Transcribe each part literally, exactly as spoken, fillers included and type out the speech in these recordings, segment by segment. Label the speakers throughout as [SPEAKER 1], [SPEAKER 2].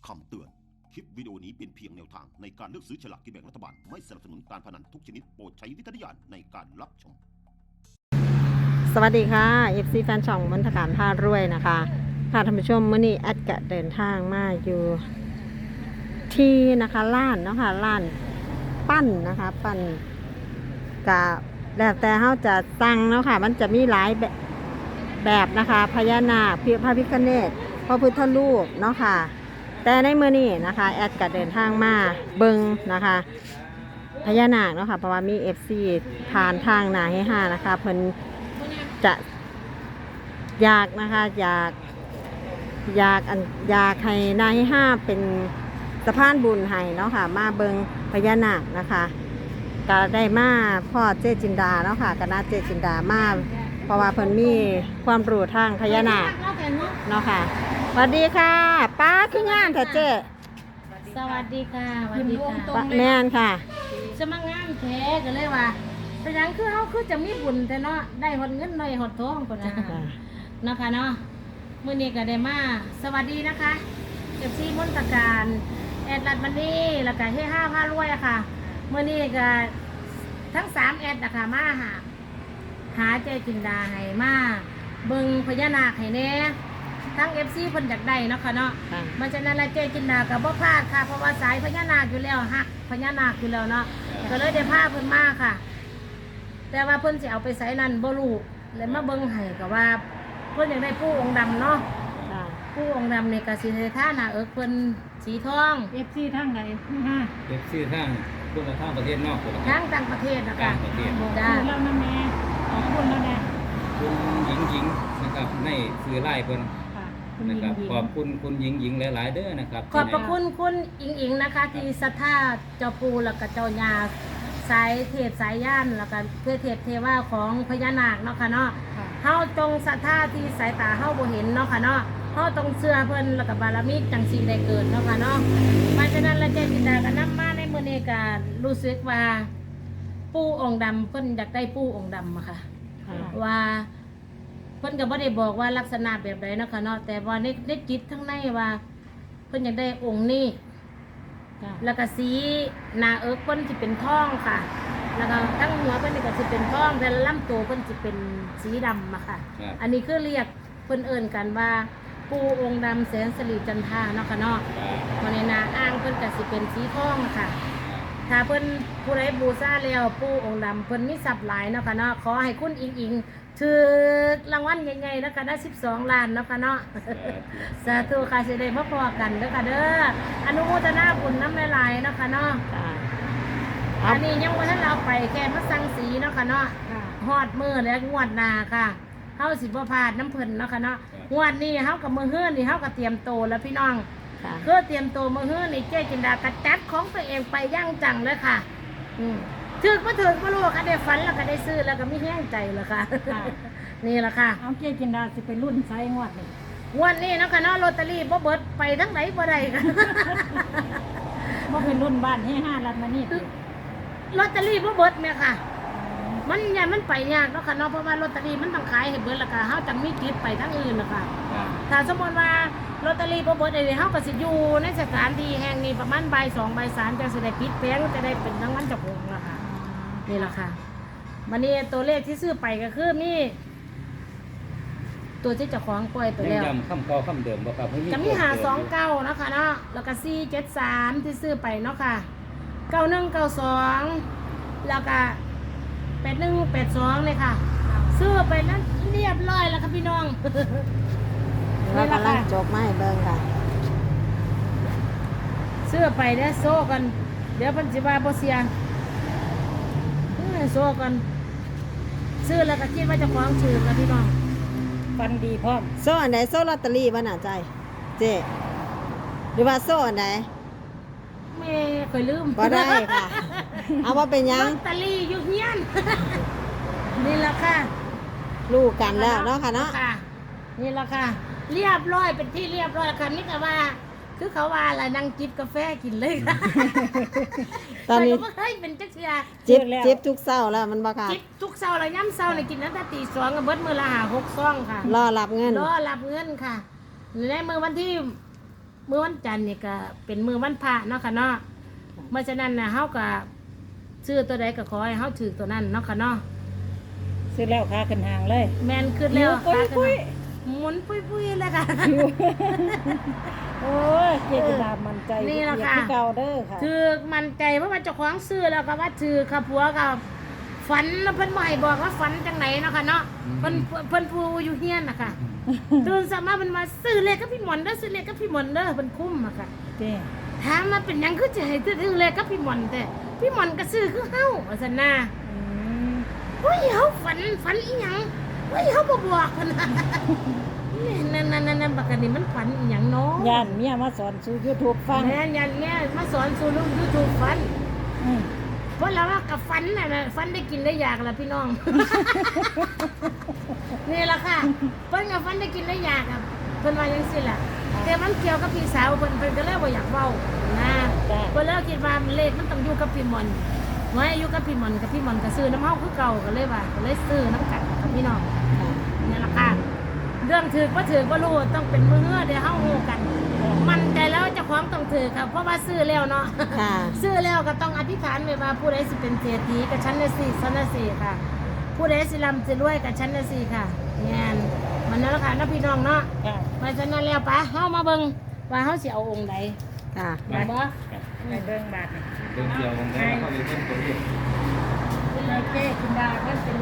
[SPEAKER 1] คำเตือนคลิปวิดีโอนี้เป็นเพียงแนวทางในการเลือกซื้อฉลากกินแบ่งรัฐบาลไม่สนับสนุนการพนันทุกชนิดโปรดใช้วิจารณญาณในการรับชม
[SPEAKER 2] สวัสดีค่ะ เอฟ ซี แฟนช่องมนตการพารวยนะคะค่ะท่านผู้ชมมื้อนี้แอดกะเดินทางมาอยู่ที่นะคะร้านเนาะค่ะร้านปั้นนะคะปั้นกะแล้วแต่เฮาจะสั่งเนาะค่ะมันจะมีหลายแบบแบบนะคะพญานาคพระพิฆเนศพระพุทธรูปเนาะค่ะแต่ในมื้อนี้นะคะแอดกะเดินทางมาเบิ่งนะคะพญานาคเนาะค่ะเพราะว่ามี เอฟ ซี ผ่านทางหน้าให้ห้านะคะเพิ่นจะอยากนะคะอยากอยากอันอยากให้นายห้าเป็นสะพานบุญให้เนาะค่ะมาเบิงพญานาคนะคะก็ได้มาพ่อเจจินดาเนาะค่ะคณะเจจินดามาเพราะว่าเพิ่นมีความรู้ทางพญานาคเนาะค่ะสวัสดีค่ะป้าคืองานเถอะเจ๊
[SPEAKER 3] สวัสดีค่ะสวัสดีค่ะ
[SPEAKER 2] แม่นค่ะ
[SPEAKER 3] จะมางานแท้ก็เลยว่าแต่ยังคือเขาคือจะมีบุญแต่เนาะได้หดเงินหน่อยหดทองคนนะเนาะค่ะเนาะมื้อนี้ก็ได้มาสวัสดีนะคะเอฟซีมนตการแอดลัดมันนี่แล้วก็เฮห้าพารวยอะค่ะมื้อนี้ก็ทั้งสามแอดนะคะมาหาหาเจจินดาให้มาเบิ่งพญานาคให้แน่ทั้ง เอฟ ซี เพิ่นอยากได้เนาะค่ะเนาะมันฉะนั้นแล้วเจจินดาก็บ่พลาดค่ะเพราะว่าสายพญานาคอยู่แล้วฮักพญานาคอยู่แล้วเนาะก็เลยได้พาเพิ่นมาค่ะแต่ว่าเพิ่นสิเอาไปใส่นั่นบ่รู้เลยมาเบิ่งให้ก็ว่าเพิ่นอยากได้ผู้องค์ดำเนาะผู้องค์ดำนี่ก็สิให้ท่าหน้าเอิกเพิ่นสีทอง
[SPEAKER 4] เอฟ ซี ทั้งไหนฮะ
[SPEAKER 5] เอฟซีทั้งคนละทางประเทศนอกคนละ
[SPEAKER 3] ทั้งต่างประเทศนะคะ
[SPEAKER 5] ต่างประเทศ
[SPEAKER 3] จ้า
[SPEAKER 4] แล้วนะแม่ขอบคุณแล้วนะ
[SPEAKER 5] คุณหญิงหญิงนะครับในสื่อไล่เพิ่น
[SPEAKER 4] ค่ะคุณ
[SPEAKER 5] นะ
[SPEAKER 4] ยิง
[SPEAKER 5] ครับ
[SPEAKER 4] ยิง
[SPEAKER 5] ขอบคุณคุณหญิงหญิงหลายๆเด้อนะครับ
[SPEAKER 3] ขอบพระคุณคุณอิงอิงนะคะที่ศรัทธาเจ้าปู่แล้วก็เจ้าย่าสายเทพสายย่านแล้วก็เพื่อเทพเทวาของพญานาคเนาะค่ะเนาะ
[SPEAKER 4] ค่ะ
[SPEAKER 3] เฮาจงศรัทธาที่สายตาเฮาบ่เห็นเนาะค่ะเนาะเฮาต้องเชื่อเพิ่นแล้วก็บารมีจังสิได้เกิดเนาะค่ะเนาะเพราะฉะนั้นแล้วเจจินดาก็นำมาในมื้อนี้ก็รู้สึกว่าปู่องค์ดำเพิ่นอยากได้ปู่องค์ดำอะค่ะว่าเพิ่นก็บ่ได้บอกว่าลักษณะแบบใดเนาะค่ะเนาะแต่ว่าในในจิตทั้งในว่าเพิ่นอยากได้องค์นี้แล้วก็สีหน้าเอิกเพิ่นสิเป็นทองค่ะแล้วก็ทั้งหัวเพิ่นนี่ก็สิเป็นทองแต่ลำตัวเพิ่นสิเป็นสีดำอะค่ะอันนี้คือเรียกเพิ่นเอิ้นกันว่าปู่องค์ดำแสนสิริจันทราเนาะค่ะเนาะวันนี้นาอ้างเพิ่นก็สิเป็นสีทองค่ะถ้าเพิ่นผู้ใดบูชาแล้วปู่องค์ดำเพิ่นมีทรัพย์หลายเนาะค่ะเนาะขอให้คุณอิงอิงถือรางวัลใหญ่ๆนะคะได้สิบสองล้านเนาะค่ะเนาะสาธุค่ะสิได้มาพอกันเด้อค่ะเด้ออนุโมทนาบุญน้ำหลายๆเนาะค่ะเนาะอันนี้ยังบ่ทันเราไปแค่มาสั่งสีเนาะค่ะเนาะฮอดมื้อแล้วงวดหน้าค่ะเฮาสิบ่พลาดน้ำเพิ่นเนาะค่ะเนาะงวดนี้เฮากับมื้อฮื้อนี่เฮาก็เตรียมโตแล้วพี่น้องคือเตรียมโตมื้อฮื้อนี่เจ๊จินดาก็จัดของตัวเองไปย่างจังเลยค่ะอืมถึกบ่ถึกบ่รู้ค่ะได้ฝันแล้วก็ได้ซื้อแล้วก็มีแห้งใจแล้วค่ะนี่แหละค่ะ
[SPEAKER 4] เอาเกจินดาสิไปรุ่นไซงวดนี่
[SPEAKER 3] งวดนี้เนาะค่ะเนาะลอตเตอรี่บ่เบิดไปทั้งไหนบ่ได้ค่ะ
[SPEAKER 4] บ่เป็นรุ่นบ้านให้ห้ารัดมานี่
[SPEAKER 3] ลอตเตอรี่บ่เบิดแม่ค่ะมันยามันไปยากเนาะค่ะเนาะเพราะว่าลอตเตอรี่มันต้องขายให้เบิดแล้วก็เฮาจังมีกิจไปทั้งอื่นนะคะถ้าสมมุติว่าลอตเตอรี่บ่เบิดได้เฮาก็สิอยู่ในสถานที่แห่งนี้ประมาณบ่ายสองบ่ายสามจังสิได้ปิดแผงจะได้เป็นรางวัลเจ้าของล่ะค่ะนี่ล่ะค่ะวันนี้ตัวเลขที่ซื้อไปก็คือมีตัวที่เจ้าของปล่อยไปแล้ว
[SPEAKER 5] ย้ำคำเก่าคำเดิมบ่ครับ
[SPEAKER 3] จะมีหาสองเก้าเนาะค่ะเนาะแล้วก็สี่เจ็ดสามที่ซื้อไปเนาะค่ะเก้าหนึ่งเก้าสองแล้วก็แปดหนึ่งแปดสองเลยค่ะซื้อไปนั้นเรียบร้อยแล้วค่ะพี่น้อง
[SPEAKER 2] เรากำลังจบมาให้เบิ่งค่ะ
[SPEAKER 3] ซื้อไปเนี่ยโซ่กันเดี๋ยวพันจิบาโบเซียโซ่กันซื้อแล้วก็คิดว่าจะคล้องชื่อค่ะพี่น้อง
[SPEAKER 4] ฟันดีพร้อม
[SPEAKER 2] โซ่อันไหนโซ่ลอตเตอรี่บ้าน่ะใจเจ๊หรือว่าโซ่อันไหน
[SPEAKER 3] ไม่เคยลืม
[SPEAKER 2] ก็ได้ค่ะเอาว่าเป็นยัง
[SPEAKER 3] ลอตเตอรี่ยุคเงี้ยนนี่แหละค่ะ
[SPEAKER 2] ลูกกันแล้วเนาะค่ะเนาะ
[SPEAKER 3] นี่แหละค่ะเรียบร้อยเป็นที่เรียบร้อยค่ะนี่ก็ว่าคือเขาว่าอะไรนั่งจิบกาแฟกินเลยค่ะ
[SPEAKER 2] ตอนนี้
[SPEAKER 3] เฮ้ยเป็นจักเสีย
[SPEAKER 2] จิบจิบทุกเช้าแล้วมันบ่ค่ะ
[SPEAKER 3] จิบทุกเช้าแล้วย่ำเช้าเนี่ยกินตั้งแต่ตีสองกับเบิดมือละหาหกซองค่ะ
[SPEAKER 2] รอรับเงิน
[SPEAKER 3] รอรับเงินค่ะในมือวันที่มื้อวันจันทร์นี่ก็เป็นมื้อวันพระเนาะค่ะเนาะเพราะฉะนั้นน่ะเฮาก็ซื้อตัวใดก็ขอให้เฮาถือตัวนั้นเนาะค่ะเนาะ
[SPEAKER 4] ซื้อแล้วค่าขึ้นหางเลย
[SPEAKER 3] แม่นขึ้นแล้ว
[SPEAKER 4] ปุ้ยปุ้ย
[SPEAKER 3] หมุนปุ้ยๆแล้วค่ะ
[SPEAKER 4] โอ้ยเจจิดามันใจ
[SPEAKER 3] นี่ล่ะค่ะ
[SPEAKER 4] ที่เก่าเด้อค่ะ
[SPEAKER 3] ถือมันใจเพราะว่าเจ้าของซื้อแล้วก็ว่าถือค่ะผัวก็ฝันแล้วเพิ่นบ่ให้บอกว่าฝันจังไหนเนาะค่ะเนาะเพิ่นเพิ่นผู้อยู่เฮียนน่ะค่ะตื่นสมาเพิ่นมาซื้อเลขกับพี่หมอนเด้อซื้อเลขกับพี่หมอนเด้อเพิ่นคุ้มอะค่ะ
[SPEAKER 4] เจ้
[SPEAKER 3] ถามมาเป็นหยังคือจะให้ซื้อเลขกับพี่หมอนแต่พี่หมอนก็ซื้อคือเฮาว่าซั่นน่ะ
[SPEAKER 4] อืม
[SPEAKER 3] เฮ้ยเฮาฝันฝันอีหยังเฮ้ยเฮาบ่บอกเพิ่นน่ะนี่นั่นๆๆๆบักอันนี้มันฝันอีหยังเนาะ
[SPEAKER 4] ย่านเมียมาสอนสู่ YouTube ฟัง
[SPEAKER 3] แม่นยันแม่มาสอนสู่ลูก YouTube ฝัน
[SPEAKER 4] อืม
[SPEAKER 3] เพราะเราว่ากับฟันน่ะนะฟันได้กินได้อยากละพี่น้อง นี่ละค่ะเพิ่นกับฟันได้กินได้อยากอ่ะเพิ่นว่าจังซี่ล่ะแต่มันเกี่ยวกับพี่สาวเพิ่นเพิ่นก็เลยบ่อยากเว้านะเพิ่นเลยคิดว่าเลขมันต้องอยู่กับพี่มอนไว้อยู่กับพี่มอนกับพี่มอนก็ซื้อน้ำเฮาคือเก่าก็เลยว่าก็เลยซื้อน้ำกันกับพี่น้องนี่ละค่ะเรื่องถือบ่ถือบ่รู้ต้องเป็นมื้อเดี๋ยวเฮาฮู้กัน มันใจแล้วเจ้าของต้องถือค่ะเพราะว่าซื้อแล้วเนาะ
[SPEAKER 2] ค่ะ
[SPEAKER 3] ซื้อแล้วก็ต้องอธิษฐานไว้ว่าผู้ใดสิเป็นเศรษฐีกับชั้นละสี่ชั้นละสี่ค่ะ ผู้ใดสิร่ำสิรวยกับชั้นละสี่ค่ะแม่นมันนั่นแหละค่ะนะพี่น้องเนาะ
[SPEAKER 4] ค่ะ
[SPEAKER 3] มาฉะนั้นแล้วปะเฮามาเบิ่งว่าเฮาสิเอาองค์ใด
[SPEAKER 2] ค่ะ
[SPEAKER 3] ได้บ่
[SPEAKER 4] ไปเบิ่งบาดนี่
[SPEAKER 5] เดินเกี่ยววงได้เข้าไปเพิ่มตัวเอง
[SPEAKER 3] เป็นไรเจ้คุณดาก็เป็น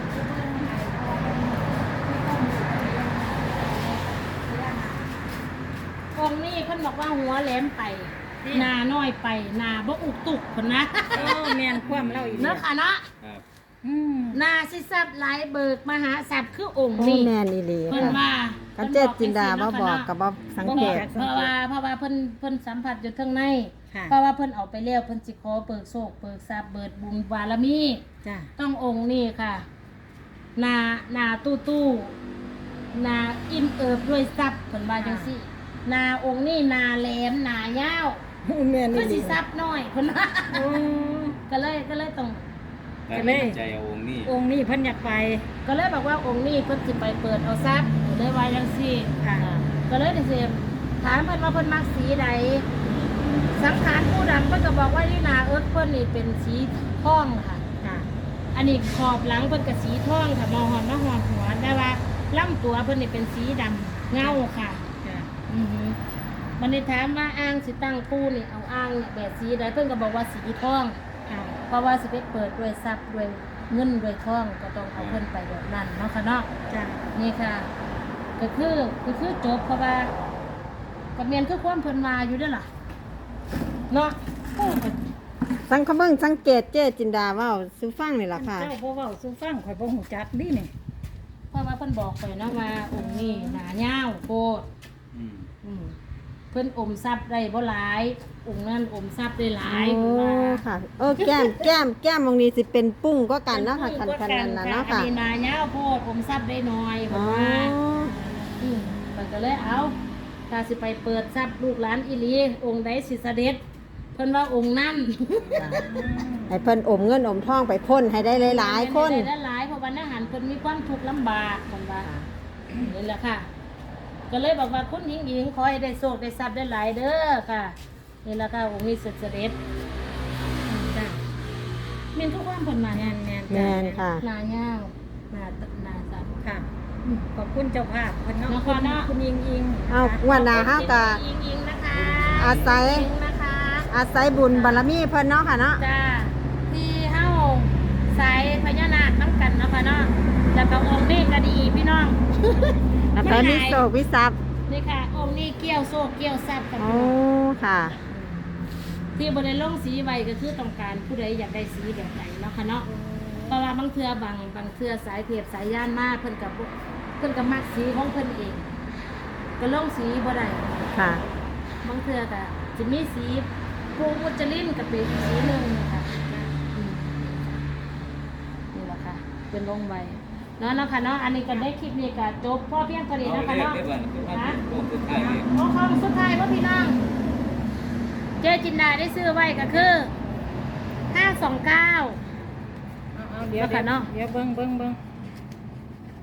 [SPEAKER 3] องค์นี้เพิ่นบอกว่าหัวแหลมไปหน้าน้อยไปหน้าบ่อุกตุกคนนะ
[SPEAKER 4] โอ้แม่นความเล่าอีก
[SPEAKER 3] เนาะค่ะเนาะ
[SPEAKER 5] ครับ
[SPEAKER 4] อืม
[SPEAKER 3] หน้าสิทรัพย์หลายเบิกมหาทรัพย์คือองค์
[SPEAKER 2] โอ้
[SPEAKER 3] นี้
[SPEAKER 2] แม่นอีหลี
[SPEAKER 3] เพิ่น
[SPEAKER 2] ค่ะ
[SPEAKER 3] ว่า
[SPEAKER 2] กันเจ็ดจินดาบ่บอกกับบ่สัง
[SPEAKER 3] บ่
[SPEAKER 2] เก
[SPEAKER 3] บอก
[SPEAKER 2] ต
[SPEAKER 3] เพราะว่าเพราะว่าเพิ่นเพิ่นสัมผัสอยู่ข้างใน
[SPEAKER 4] ค่ะ
[SPEAKER 3] เพราะว่าเพิ่นเอาไปแล้วเพิ่นสิขอเปิกโชคเปิกทรัพย์เบิดบุญบารมี
[SPEAKER 4] จ้ะ
[SPEAKER 3] ต้ององค์นี้ค่ะหน้าหน้าตู้ตู้หน้าอิ่มเอิบด้วยทรัพย์เพิ่นว่าจังซี่หน้าองค์นี้หน้าแหลมหน้ายาว
[SPEAKER 4] แม่น
[SPEAKER 3] คื
[SPEAKER 4] อี
[SPEAKER 3] อ
[SPEAKER 4] หลี
[SPEAKER 3] สิทรัพย์น้อยเพิ่นว่า
[SPEAKER 4] โอ้
[SPEAKER 3] ก็เลยก็เลยต้อง
[SPEAKER 5] แต่ไม่ใจเอาองค์นี้
[SPEAKER 4] องค์นี้เพิ่นอยากไป
[SPEAKER 3] ก็เลยบอกว่าองค์นี้เพิ่นสิไปเปิดเอาทรัพย์เลยว่าจังซี่
[SPEAKER 4] ค่ะ
[SPEAKER 3] ก็เลยได้เสพถามเพิ่นว่าเพิ่นมักสีใดสังขารผู้ดำเพิ่นก็บอกว่าที่นาเอิร์ธเพิ่นนี่เป็นสีทองค่ะ
[SPEAKER 4] ค่ะ
[SPEAKER 3] อันนี้ขอบหลังเพิ่นก็สีทองค่ะมองหอนมาหอนหัวแต่ว่าลำตัวเพิ่นนี่เป็นสีดำเงาค่ะ
[SPEAKER 4] จ้ะ
[SPEAKER 3] อือฮึมันได้ถามว่าอ่างสิตั้งปูนี่เอาอ่างนี่แบบสีใดเพิ่นก็บอกว่าสีทอง
[SPEAKER 4] ค่ะ
[SPEAKER 3] เพราะว่าสิไปเปิดด้วยทรัพย์ด้วยเงินด้วยทองก็ต้องเอาเพิ่นไปแบบนั้นเนาะค่ะเนาะ
[SPEAKER 4] จ้ะ
[SPEAKER 3] นี่ค่ะ ก็คือก็คือจบเพราะว่ากับเมียนคือความเพิ่นมาอยู่เด้อล่ะเนาะโอ้ย
[SPEAKER 2] สังเขาเบิ่งสังเกตเจ๊จินดาเว้าสู่ฟังนี่ล่ะค่ะ
[SPEAKER 4] เจ้าบ่เว้าสู่ฟังข่อยบ่ฮู้จักนี่นี่
[SPEAKER 3] เพราะว่าเพิ่นบอกไปเนาะว่าองค์นี้หนายาวโคตร
[SPEAKER 5] อืม
[SPEAKER 3] อืมเพิ่นอมทรัพย์ได้บ่หลาย องค์นั้นอมทรัพย์ได้หลาย
[SPEAKER 2] โอ้
[SPEAKER 3] เพิ่นว่า
[SPEAKER 2] ค่ะเออแก้มแก้มแก้มตรงนี้สิเป็นปุ้งก็กันเนาะค่ะคันคันนั้นน่ะเนาะ
[SPEAKER 3] อัน
[SPEAKER 2] ค่ะ
[SPEAKER 3] นี้หนายาวโคตรอมทรัพย์ได้น้อยเพิ่
[SPEAKER 2] อ๋
[SPEAKER 3] น
[SPEAKER 2] อ
[SPEAKER 3] ว่าอืมเพิ่นก็เลยเอาถ้าสิไปเปิดทรัพย์ลูกหลานอีหลีองค์ใดสิเสด็จเพิ่นว่าองค์นั้น
[SPEAKER 2] ให้เพิ่นอมเงินอมทองไปพ่นให้ได้หลายๆคน
[SPEAKER 3] ได้หลายเพราะวันอาหารเพิ่นมีความทุกข์ลำบากคนว่านี่แหละค่ะ ก็เลยบอกว่าคุณหญิงหญิงขอให้ได้โชคได้ทรัพย์ได้หลายเด้อค่ะนี่แหละค่ะองค์นี้สุดเสด็จอืมจ้ะเมียนทุกความเพิ่นมา
[SPEAKER 4] แม่นแม่น
[SPEAKER 2] แม่นค่ะ
[SPEAKER 3] หนาย่าวหนาตหนาสัตว์
[SPEAKER 4] ค่ะ ขอบคุณเจ้าภาพเพิ่นเนาะ
[SPEAKER 3] เนาะ
[SPEAKER 4] คุณ
[SPEAKER 3] เนาะ
[SPEAKER 4] คุณยิงยิง
[SPEAKER 2] เอางวันหน้าเฮาก็
[SPEAKER 3] หญิงหญิงนะคะ
[SPEAKER 2] อาศัย
[SPEAKER 3] หญิงนะคะ
[SPEAKER 2] อาศัยบุญบารมีเพิ่นเนาะค่ะเนาะ
[SPEAKER 3] จ้าที่เฮาสายพญานาคน้ำกันเนาะค่ะเนาะแล้วก็องค์นี้ก็ดีพี่น้อง
[SPEAKER 2] แล้วไปมีโศกวิทรัพย์
[SPEAKER 3] นี่ค่ะองค์นี้เกี่ยวโซ่เกี่ยวทรัพย์กับ
[SPEAKER 2] โอ้ค่ะ
[SPEAKER 3] ที่บริลงสีไว้ก็คือต้องการผู้ใดอยากได้สีแบบไหนเนาะค่ะเนาะเพราะว่าบางเทือบางบางเทือสายเทียบสายย่านมากเพิ่นกับเพิ่นกับมักสีของเพิ่นเอง ก็ลงสีบ่ได้
[SPEAKER 2] ค่ะ
[SPEAKER 3] บางเทือก็จะมีสีภูมุจลินกับเป็นอีกสีหนึ่งค่ะอืมนี่แหละค่ะ เป็นลงไว้เนาะเนาะค่ะเนาะอันนี้ก็ได้คลิปนี้ก็จบพ่อเพียงเท่านี้
[SPEAKER 5] เอา
[SPEAKER 3] เนาะ
[SPEAKER 5] เล
[SPEAKER 3] ค่ะ
[SPEAKER 5] ข
[SPEAKER 3] เนาะ
[SPEAKER 5] ได้บ้างคือว่า
[SPEAKER 3] ฮะ
[SPEAKER 5] โค้งสุดท้ายเลย
[SPEAKER 3] โอ้คำสุดท้ายว่าพี่น้อง เจ๊จินดาได้ซื้อไว้ก็คือห้าสองเก้า
[SPEAKER 4] เอาเอาเดี๋ยว
[SPEAKER 3] เนาะค่ะเนาะ
[SPEAKER 4] เดี๋ยวเบิ่งเบิ่งเบิ่ง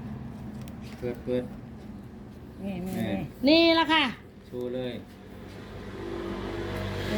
[SPEAKER 5] เปิดเปิด
[SPEAKER 4] นี่นี่
[SPEAKER 5] แม่
[SPEAKER 4] นี่
[SPEAKER 3] นี่ละค่ะ
[SPEAKER 5] ชูเลย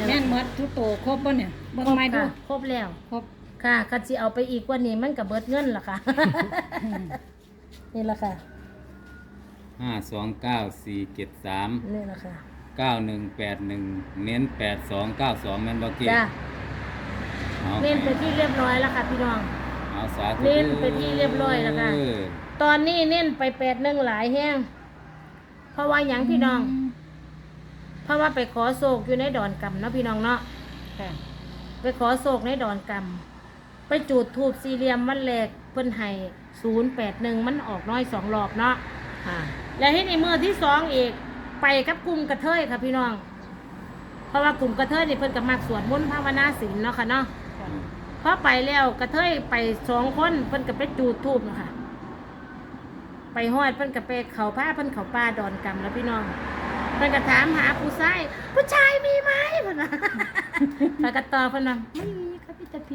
[SPEAKER 4] แม่นหมดทุกโตครบบ่เนี่ยเบิ่ง
[SPEAKER 3] ครบ
[SPEAKER 4] ไม้ดู
[SPEAKER 3] ค่ะครบแล้ว
[SPEAKER 4] ครบ
[SPEAKER 3] ค่ะคันสิเอาไปอีกกว่านี้มันก็เบิดเงินล่ะค่ะ นี่ล่ะค่ะ
[SPEAKER 5] ห้าสองเก้าสี่เจ็ดสาม
[SPEAKER 3] นี่ล่ะค่ะ
[SPEAKER 5] เก้าหนึ่งแปดหนึ่งเน้นแปดสองเก้าสองแม่นบ่เกี่
[SPEAKER 3] จ้า
[SPEAKER 5] เอา
[SPEAKER 3] เน้นไปที่เรียบร้อยแล้วค่ะพี่น้อง
[SPEAKER 5] เอาสาธุ
[SPEAKER 3] เน้นไปที่เรียบร้อยแล้วค่ะ
[SPEAKER 5] เออ
[SPEAKER 3] ตอนนี้เน้นไปแปดหนึ่งหลายแห้งเพราะว่าหยังพี่น้อง เพราะว่าไปขอโศกอยู่ในดอนกำเนาะพี่น้องเนาะ
[SPEAKER 4] ค่ะ
[SPEAKER 3] ไปขอโศกในดอนกำไปจูดทูบสี่เหลี่ยมมันแหลกเพิ่นให้ศูนย์แปดหนึ่งมันออกน้อยสองรอบเนาะ
[SPEAKER 2] ค่ะ
[SPEAKER 3] และที่ในมือที่สองอีกไปกับกลุ่มกระเทยค่ะพี่น้อง เพราะว่ากลุ่มกระเทยนี่เพิ่นก็มักสวดมนต์ภาวนาศีลเนาะค่ะเนาะพอไปแล้วกระเทยไปสองคนเพิ่นก็ไปจูดทูบเนาะค่ะไปฮอดเพิ่นก็ไปเขาผ้าเพิ่นเขาป่าดอนกำแล้วพี่น้องเพิ่นก็ถามหาผู้ชายผู้ชายมีไหมเพิ่นว่า แล้วก็ตอบเพิ่นว่าไม่มีค่ะพี่ตะพี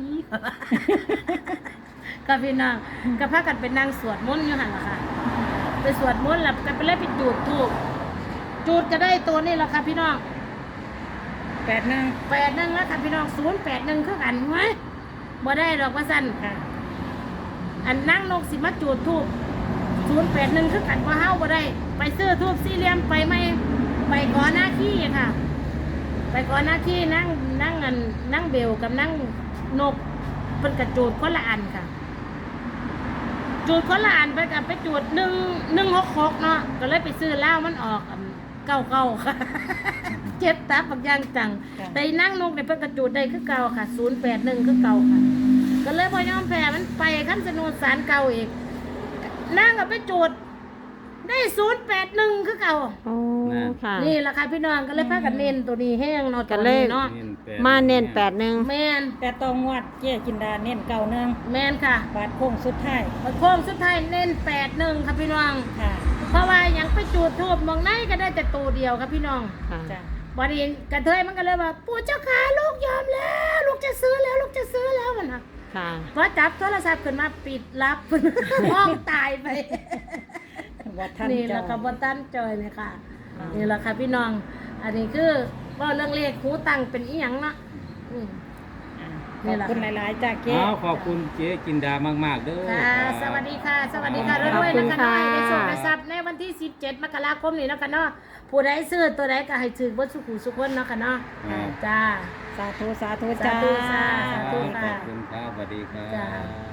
[SPEAKER 3] ก็พี่น้องก็พากันไปนั่งสวดมนต์อยู่หั่นล่ะค่ะ ไปสวดมนต์แล้วก็ไปเลยไปจูดทูบจูดก็ได้ตัวนี่แหละค่ะพี่น้อง
[SPEAKER 4] แปดหนึ่ง
[SPEAKER 3] แปดหนึ่งแล้วค่ะพี่น้องศูนย์แปดหนึ่งคือกันไหมบ่ได้ดอกว่าสั้น
[SPEAKER 4] ค่ะ
[SPEAKER 3] อันนั่งนกสิมาจูดทูบศูนย์แปดหนึ่งคือกันว่าเฮาบ่ได้ ไปซื้อทูบสี่เหลี่ยมไปไหมไปก่อนหน้าที่ค่ะ ไปก่อนหน้าที่นั่งนั่งอันนั่งเบลกับนั่งนกเพิ่นกระจูดคนละอันค่ะ จูดคนละอันไปกับไปจูดหนึ่งหนึ่งหกหกเนาะก็เลยไปซื้อเหล้ามันออกอันเก้าเก้าค่ะ เจ็บตาปักอยางจัง แต่นั่งนกเนี่ยเพิ่นกระจูดได้คือเก่าค่ะศูนย์แปดหนึ่งคือเก่าค่ะ ก็เลยพอยอมแพ้มันไปขั้นสนุนสารเก่าอีกนั่งกับไปจูดได้ศูนย์แปดหนึ่งคือเก่า
[SPEAKER 2] โอ้ค่ะ
[SPEAKER 3] นี่แหละค่ะพี่น้องก็เลยพากันเน้นตัวนี้แห้งเนาะ
[SPEAKER 2] ก็
[SPEAKER 3] ตัว
[SPEAKER 2] เลย
[SPEAKER 3] นี้เนาะ
[SPEAKER 5] เน้นแปด
[SPEAKER 2] มาเน้นแปดหนึ่ง
[SPEAKER 3] แม่น
[SPEAKER 4] แต่ตองวดเจ๊จินดาเน้นเก่าหนึ่ง
[SPEAKER 3] แม่นค่ะ
[SPEAKER 4] บาทโค้งสุดท้าย
[SPEAKER 3] โค้งสุดท้ายเน้นแปดหนึ่งค่ะพี่น้อง
[SPEAKER 4] ค่ะ
[SPEAKER 3] เพราะว่ายังไปจูดทูบมองไหนก็ได้แต่ตัวเดียวครับพี่น้อง
[SPEAKER 2] ค่ะ
[SPEAKER 4] จ้ะ
[SPEAKER 3] บอดีกระเทยมันก็เลยว่าปู่เจ้าขาลูกยอมแล้ว ลูกจะซื้อแล้วลูกจะซื้อแล้วมันนะ
[SPEAKER 2] ค่ะ
[SPEAKER 3] พอจับโทรศัพท์ขึ้นมาปิดรับ ห้องตายไป
[SPEAKER 4] วัดท่าน
[SPEAKER 3] นี่แห
[SPEAKER 4] เจ้า
[SPEAKER 3] ละค่ะบอตันจอยเลยค่ะนี่แหละค่ะพี่น้อง อันนี้คือว่าเรื่องเลขหูตังเป็นอีหยังเนาะอืม
[SPEAKER 4] อ่า
[SPEAKER 3] นี่
[SPEAKER 4] ขอบ
[SPEAKER 3] แหละ
[SPEAKER 4] คุณหลายๆจ้าเจ๊
[SPEAKER 5] เอาขอบคุณเจ๊จินดามากๆเด้อ
[SPEAKER 3] ค่ะ
[SPEAKER 5] ครับ
[SPEAKER 3] สวัสดีค่ะ สวัสดีค่ะ
[SPEAKER 2] ขอบ
[SPEAKER 3] ด้วย
[SPEAKER 2] คุ
[SPEAKER 3] ๆ
[SPEAKER 2] ณ
[SPEAKER 3] นะคะน้อย
[SPEAKER 2] ค่ะ
[SPEAKER 3] ในโชคในทรัพย์ในวันที่สิบเจ็ดมกราคมนี้เนาะคะเนาะผู้ใดซื้อตัวใดก็ให้ถือเบดสุขุสุขคนเนาะค่ะเนาะ
[SPEAKER 5] ครับ
[SPEAKER 3] จ้า
[SPEAKER 4] สาธุสาธุ
[SPEAKER 3] สา
[SPEAKER 4] จ้า
[SPEAKER 3] ธุสาธุ
[SPEAKER 5] ขอบคุณครับสวัสดีครั
[SPEAKER 3] จ้า
[SPEAKER 5] บ